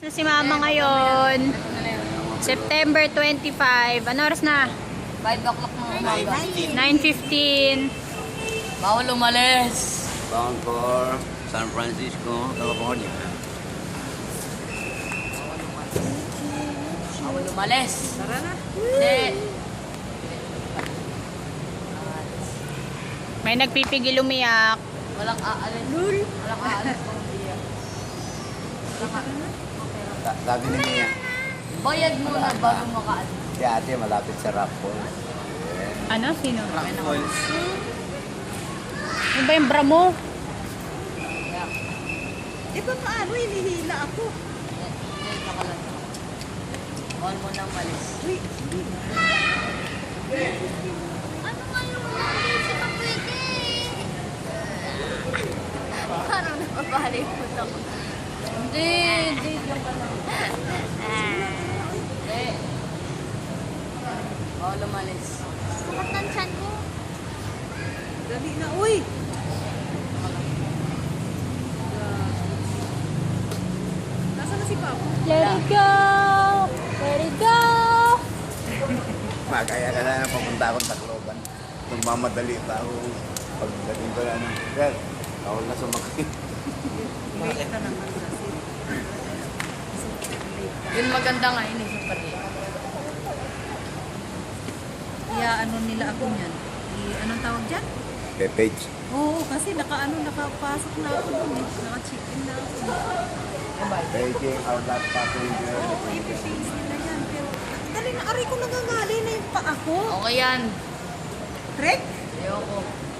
Na si Mama ngayon. September 25. Ano oras na? 5 o'clock ng umaga. 9:15. Bawal umalis. Bound for San Francisco, California. Bawal umalis. Tara na. Hindi. May nagpipigil umiyak. Walang aalis. Walang aalis pang biyak. Sabi ni Mia, Bayad muna bago makaalis. si ate malapit sa Rock Falls. Ano? Sino? Ano ba yung bra mo? Di ba paano hinihila ako? Hindi, nakalan. Bawal mo nang malis. Ano nga yung hindi pa pwede? Parang napapalikot ako. Hindi, hindi. Diyan ka lang. Hindi. Bawal umalis. Sakat ng tiyan ko. Dali na, uy! Nasaan na si Papa? Let it go! Let it go! Kaya ka na papunta akong Tacloban. Nagmamadali pa ako. Pagdating ko na ng sir, ako na sumakit. Bakit ka naman kasi? Yun maganda nga yun. Yung pati. Kaya ano nila ako niyan? Anong tawag dyan? Page. Oo, kasi nakapasok na ako dun eh. Naka-check-in na ako. Taking our last passenger. Oo, i-face nila yan. Pero, dali na, aray ko nangangali na yung paa ko. Okay yan. Trek? Ayoko.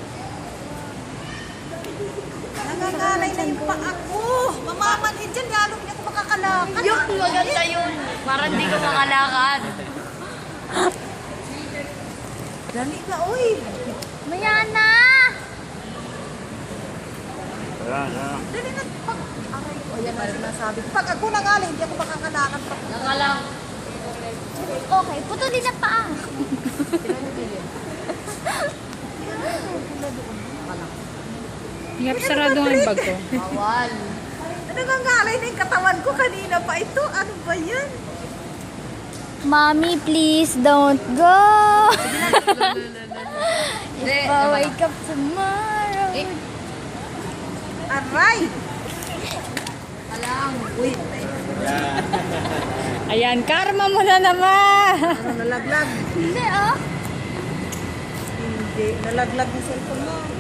Nangangalay na yung paa ko. Mamamanhin dyan, lalo hindi ako makakalakad. Yun, maganda yun. Para hindi ko makalakad. Dali ka, uy. Maya na! Dali na, pag... Aray ko, yan na sinasabi ko. Pag ako nangali, hindi ako makakalakad. Nakalang. Okay, putulin na pa. Yap, sarado nga yung bag ko. Bawal. Nangangalay na yung katawan ko kanina pa ito. Ano ba yan? Mommy, please don't go. Hindi, If I wake up tomorrow. Eh, Aray! kalang. Uy, Ayan, karma mo na naman! ano nalaglag? Hindi, oh. Hindi, nalaglag yung cellphone mo.